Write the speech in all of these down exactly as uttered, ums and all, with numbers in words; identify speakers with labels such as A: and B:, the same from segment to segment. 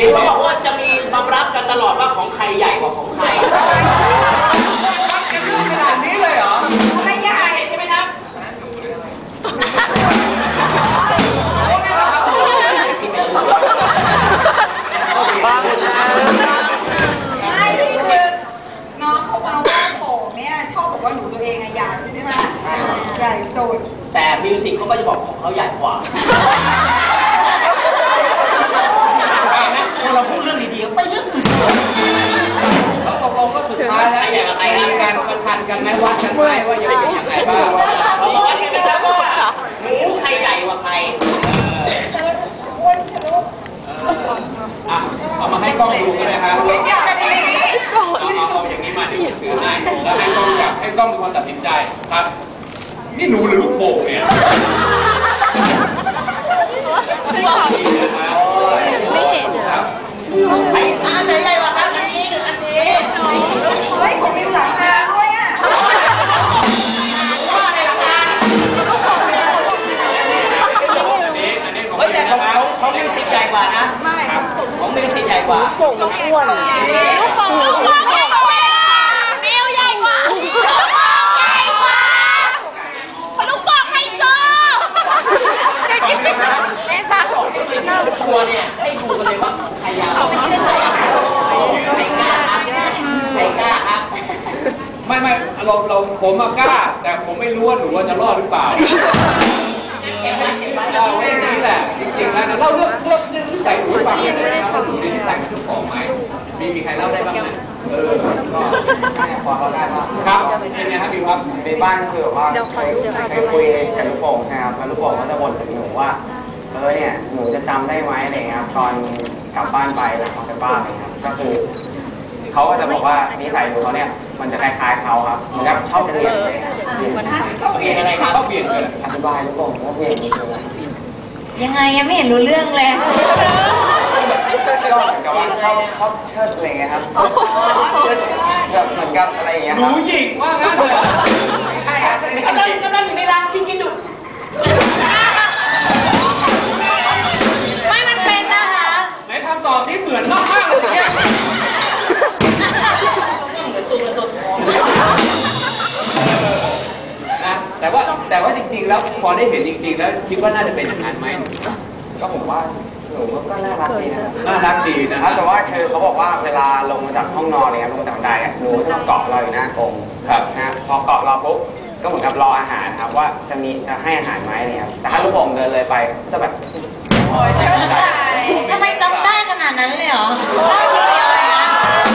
A: ห็นเขาบอกว่าจะมีมารับกันตลอดว่าของใครใหญ่กว่าของใคร
B: ขนาดนี้เลยเหรอ
A: ไม่ใหญ่ใช่ไหมครับ
C: บ้าเลยไม่คือน้องเขามาว่าโป่งเนี่ยชอบบอกว่าหนูตัวเองอะใหญ่ใช่ไหมใหญ่สุด
A: แต่มิวสิกเขาก็จะบอกของเขาใหญ่กว่าเราพูดเรื่องดีๆไปเรื่องอื่น
B: แล้วตกลงก็สุดท้ายแล้วอย่างไรมีการประชันกันไหมวัดกันไหมว่าจะเป็นอย่างไรบ้าง
A: เราวัดกันนะครับว่าหมูใครใหญ่กว่าใคร
C: อ้วนชะลุก
B: อ่ะเอามาให้กล้องดูกันนะครับเอาเอาอย่างนี้มาเดี๋ยวถือให้แล้วให้กล้องจับให้กล้องเป็นคนตัดสินใจครับนี่หนูหรือลูกโป่งเนี่ย
D: ไม่เห็น
B: ครับ
A: ไอ้อันไหนใหญ่กว่าครับอันนี้หรืออันนี้
C: เฮ้ยผมมีหลังคาด้วยอ่ะ
A: ว่าอะไรหลังคาเฮ้ยแต่ของของของมิวสิกใหญ่กว่านะ
C: ไม่
A: ของมิวสิกใหญ่กว่า
D: โป่งต้องอ้วนลูกโป่งลูกโป่งใหญ่กว่ามิวใหญ่กว่าใหญ่กว่าลูกโป่งไฮโซเล่นตาหลง
A: ตัวเนี่ยให้ดูกันเลยว่าใครยาวใครกล้าใครกล้าครับ
B: ไม่ไม่เราเราผมมากล้าแต่ผมไม่รู้ว่าหนูว่าจะรอดหรือเปล่าเราเรื่องนี้แหละจริงๆแล้วนะเล่าเรื่องเรื่องเรื่องนิสัยหนูให้ฟังเลยนะครับหนูนิสัยเป็นเจ้าของไหมมีมีใครเล่าได้บ้างไหมเออก็
E: พอเขาได้ว่า
B: ครับเป็นไงครับพี่ครับ
E: ในบ้านคือแบบว่าเคยเคยคุยกับลูกโป่งใช่ครับแล้วลูกโป่งก็จะบ่นถึงหนูว่าเออเนี่ยหนูจะจำได้ไหมอะไรเงี้ยครับตอนกลับบ้านไปหลังออกจากบ้านอะไรครับก็คือเขาก็จะบอกว่านิสัยหนูเขาเนี่ยมันจะคล้ายๆเขาครับเหมือนกับชอบเปลี่ยนเลยครับ
A: เปลี่ยนอะไรครับ
B: ชอบเปลี่ยนเลย
E: อธิบายลูกโป่งว่าเปลี่ยน
D: ยังไงยังไม่เห็นรู้เรื่องเลย
E: ก็เหมือนกับว่าชอบชอบเชิดอะไรเงี้ยครับเชิดแบบเหมือนกับอะไรอย่างเงี้ย
B: หนูหญิงว่างั้นเลย
A: ใช่ครับกำลังกำลังอยู่ในรังกินกินดู
D: ไม่มันเป็นนะคะ
B: ไหนคำตอบที่เหมือนมากมากเลยเนี่ย
A: เหมือนตัวเงินตัวทอง
B: นะแต่ว่าแต่ว่าจริงๆแล้วพอได้เห็นจริงๆแล้วคิดว่าน่าจะเป็นอย่างนั้นไหม
E: ก็ผมว่าหนูก็น่ารักดีนะ
B: น่ารักดีนะครับ
E: แต่ว่าคือเขาบอกว่าเวลาลงมาจากห้องนอนเนี่ยลงมาจากบันไดอ่ะหนูจะมาเกาะเราอยู่หน้ากรง
B: ครับ
E: นะพอเกาะเราปุ๊บก็เหมือนกับรออาหารครับว่าจะมีจะให้อาหารไหมเนี่ยแต่ถ้าลูกโป่งเดินเลยไปก็จะแบบ
D: ทำไมจำได้ขนาดนั้นเลยเหรอได้ทีเดียวเลยนะ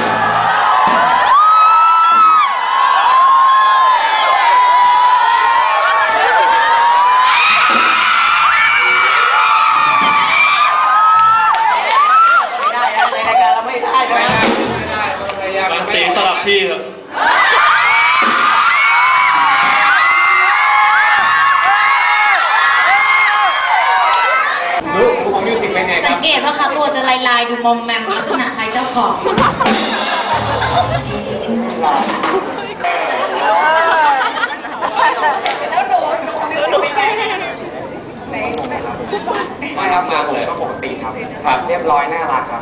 B: ตีสลับที่เหรอดูของมิวสิกเป็นไงครับ
D: สังเกตว่าเขาตัวจะลายลายดูมอมแมมลักษณะใครเจ้าของ
C: แล้วหนูหนูหนูไม่ได้
E: ไม่รับมาเลยก็ปกติครับครับเรียบร้อยน่ารักครับ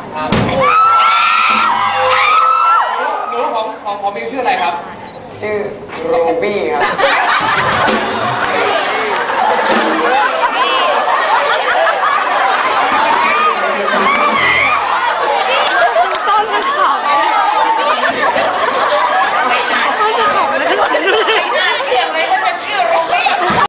B: หนูของของของมิวชื่ออะไรครับ
E: ชื่อรูบี้ครับ